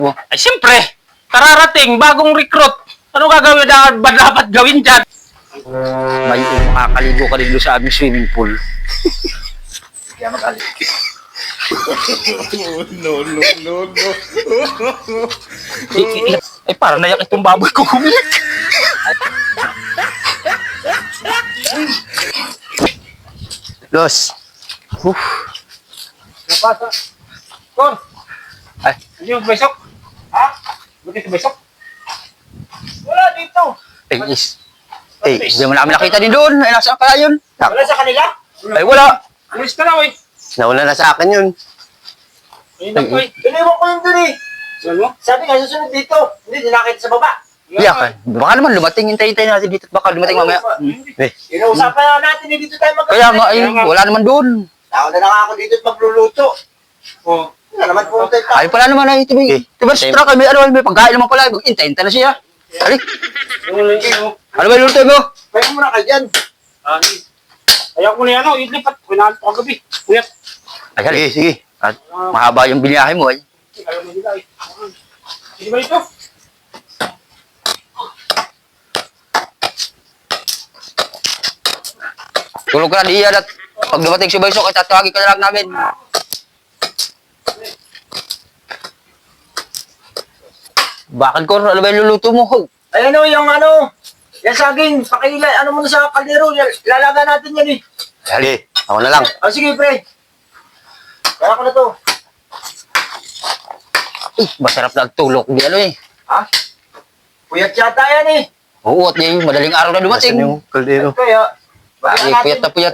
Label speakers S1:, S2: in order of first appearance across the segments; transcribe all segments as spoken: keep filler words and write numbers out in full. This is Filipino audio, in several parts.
S1: Ay, siyempre, kararating, bagong recruit. Ano gagawin na ba dapat gawin dyan?
S2: May makakaligo ka rin doon sa aming swimming pool.
S3: Kaya magalit.
S4: No, no, no, no.
S1: Ay, ay parang nayak itong baboy ko kumilik.
S2: Los. Uf.
S1: Napasa. Kon,
S2: Ay,
S1: hindi mo besok? Ha? Buti sa besok? Wala dito.
S2: eh, is. Eh, hindi mo namin nakita din doon. Ay, nasaan kaya yun?
S1: Wala sa kanila?
S2: Ay, wala.
S1: Alis ka na, oy.
S2: Nauna na sa akin yun.
S1: Ayun na, oy.
S3: Iniwan ko yun dun eh.
S1: Saan mo?
S3: Sabi nga, susunod dito. Hindi, dinakita sa baba.
S2: Iyakan. Baka naman lumating. Hintay-hintay natin dito. Baka lumating mamaya. Eh,
S3: Inuusapan na natin eh, dito tayo magkakasin.
S2: kaya nga, ay, wala naman doon.
S3: Ako na lang ako dito at magluluto.
S1: Oh.
S3: Wala naman pumunta yung
S2: Ay, pala naman ay, tibi. Tiba, truck, may ano, may pagkain naman pala. Hintay-hintay na siya. Alik. Ano ba yung luto mo?
S3: Kaya muna ka dyan.
S1: Ayaw ko na yan, oh. Ilipat. Kinahan ko kagabi. Kuyat.
S2: Ay, sige, sige. At mahaba yung biniyahe mo, ay.
S1: Ayaw na nila, eh. Hindi ba ito?
S2: Tulog ka na diyan at pag dumating si Baysok, ay tatawagin ka na lang namin. Bakit ko? Ano ba yung luluto mo? Ho?
S3: Ay ano, yung ano, yan saging, pakilay, ano mo na sa kaldero, lalaga natin yan eh.
S2: Sige, ako na lang.
S3: O sige, pre. Kaya ko na to.
S2: Eh, masarap na tulog. Di ano eh.
S3: Ha? Puyat yata yan eh.
S2: Oo, at yung madaling araw na dumating.
S4: Nasaan yung kaldero?
S3: Kaya, baka
S2: Ay,
S3: natin.
S2: puyat na puyat.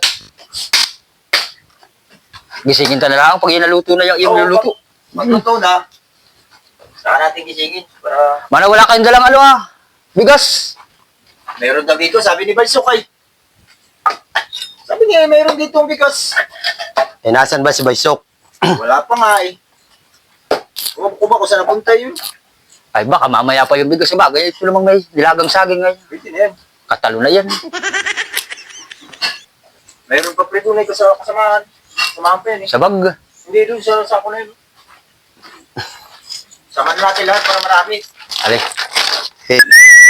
S2: Gisingin ka na lang pag inaluto na yung, yung
S3: Oo,
S2: luluto.
S3: pag- Magluto na. Saka natin gisingin para
S2: Mana wala kayong dalang ano ah. Bigas.
S3: meron daw dito, sabi ni Balsukay. Sabi niya, meron dito ang bigas.
S4: Eh, nasan ba si Baysok?
S3: Wala pa nga eh. Kung ko ba kung saan napunta yun?
S2: Ay baka mamaya pa yung bigas. Bagay, ito namang may dilagang saging ngayon.
S3: Pwede na yan.
S2: Katalo na yan.
S3: Meron pa pre tunay ko sa kasamahan. Samahan pa yan eh.
S2: Sa bag.
S3: Hindi doon sa sako na yun. Samahan natin lahat para marami.
S2: Ali.
S4: Eh,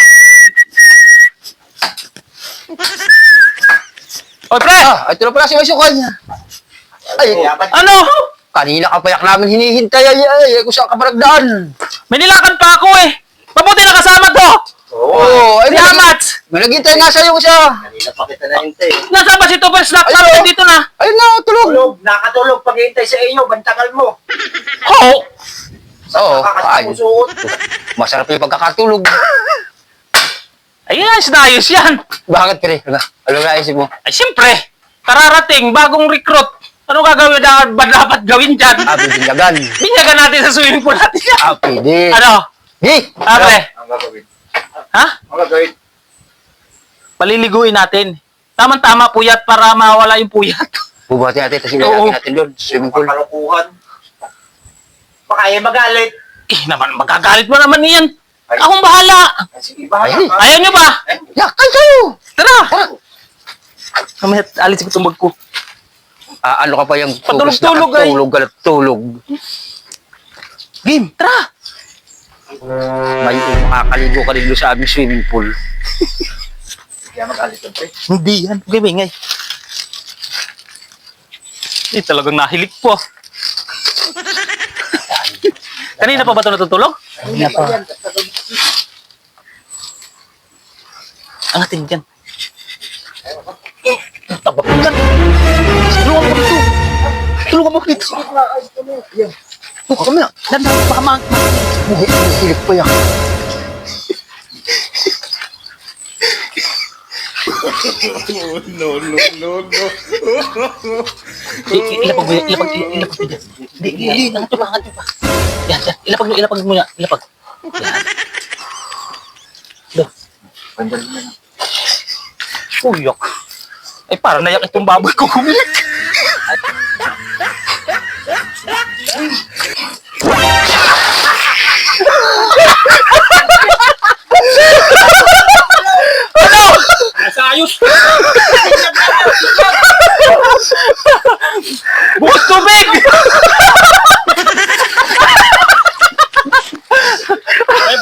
S1: Oy, pre!
S2: Ah, ito na pala si Baysok. Ay,
S3: Yaman.
S1: Ano?
S2: kanina ka payak namin hinihintay. Ay, ay, ay, kung saan ka paragdaan.
S1: May nilakan pa ako, eh. Mabuti na kasama to.
S3: Oo.
S2: Oo, ay,
S1: Si
S2: may,
S1: Amat.
S2: may naghintay nga sa'yo siya.
S3: Kanina pa kita nahintay.
S1: Nasaan ba si Tupper Snack?
S2: Ayun.
S1: Ayun, dito na.
S2: Ayun na, tulog.
S3: Tulog, nakatulog paghihintay sa inyo, bantangal mo.
S1: Oo.
S2: Oo, ay,
S3: Kakasuot.
S2: masarap yung pagkakatulog.
S1: Ayun, ayos na ayos yan.
S2: Bakit, pre? Ano, ano naisip mo?
S1: Ay, siyempre, kararating, bagong recruit. Ano gagawin na ba dapat gawin dyan?
S2: Ah, bibinyagan.
S1: Binyagan natin sa swimming pool natin yan.
S2: Ah, pwede.
S1: Ano?
S2: Di!
S1: Ah, pre?
S3: Ang gagawin.
S1: Ha?
S3: Ang gagawin.
S1: Paliliguin natin. Tama-tama puyat para mawala yung puyat.
S2: Bubuhatin natin, tapos
S1: Oo.
S2: ilalagay natin doon. Swimming pool.
S3: Pakalukuhan. Baka yan magalit.
S1: Eh, naman, magagalit mo naman niyan.
S3: Ay.
S1: Akong bahala.
S3: Ay, sige, bahala
S2: Ay.
S3: ka.
S1: Ayaw nyo ba?
S2: Yakay kayo!
S1: Tara! Kamaya, alis ko tumbag ko.
S2: Ah, ano ka pa yung
S1: Patulog-tulog, ay.
S2: Tulog ka na tulog.
S1: Game, tara!
S2: May makakaligo ka rin doon sa aming swimming pool.
S3: Kaya magalit ang pre.
S1: Hindi yan. Okay, bingay. Eh, talagang nahilig po. Kanina pa ba ito natutulog?
S3: Hindi pa yan.
S1: Ang ating dyan. Tabak mo dyan. Tulungan mo dito. Tulungan mo dito.
S3: Sige nga, ay, ito mo. Yan.
S1: Tuka kami na. Dandan, baka ma...
S2: Buhay, nasilig pa yan.
S4: no, no, no, no.
S1: Ilapag mo yan. Ilapag, ilapag mo dyan. Hindi, hindi, hindi. Nangatyo pa, nangatyo pa. Yan, yan. Ilapag mo, ilapag mo yan. Ilapag. Yan. Do.
S3: Bandal mo na.
S1: Uyak. Ay, parang nayak itong baboy ko kumilik. Ano? Nasa ayos. Bukas tubig!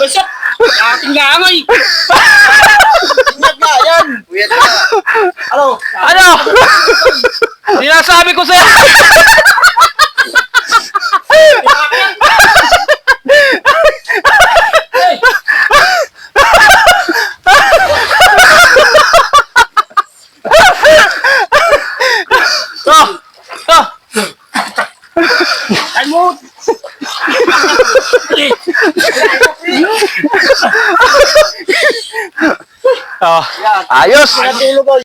S1: Basok! Ating langoy!
S3: Ingat nga, yan! Ano?
S1: Ano? Sinasabi ko sa'yo! Hey! Oh! Oh! Kalmut! Oh.
S2: Ayos!
S3: Natulog ko.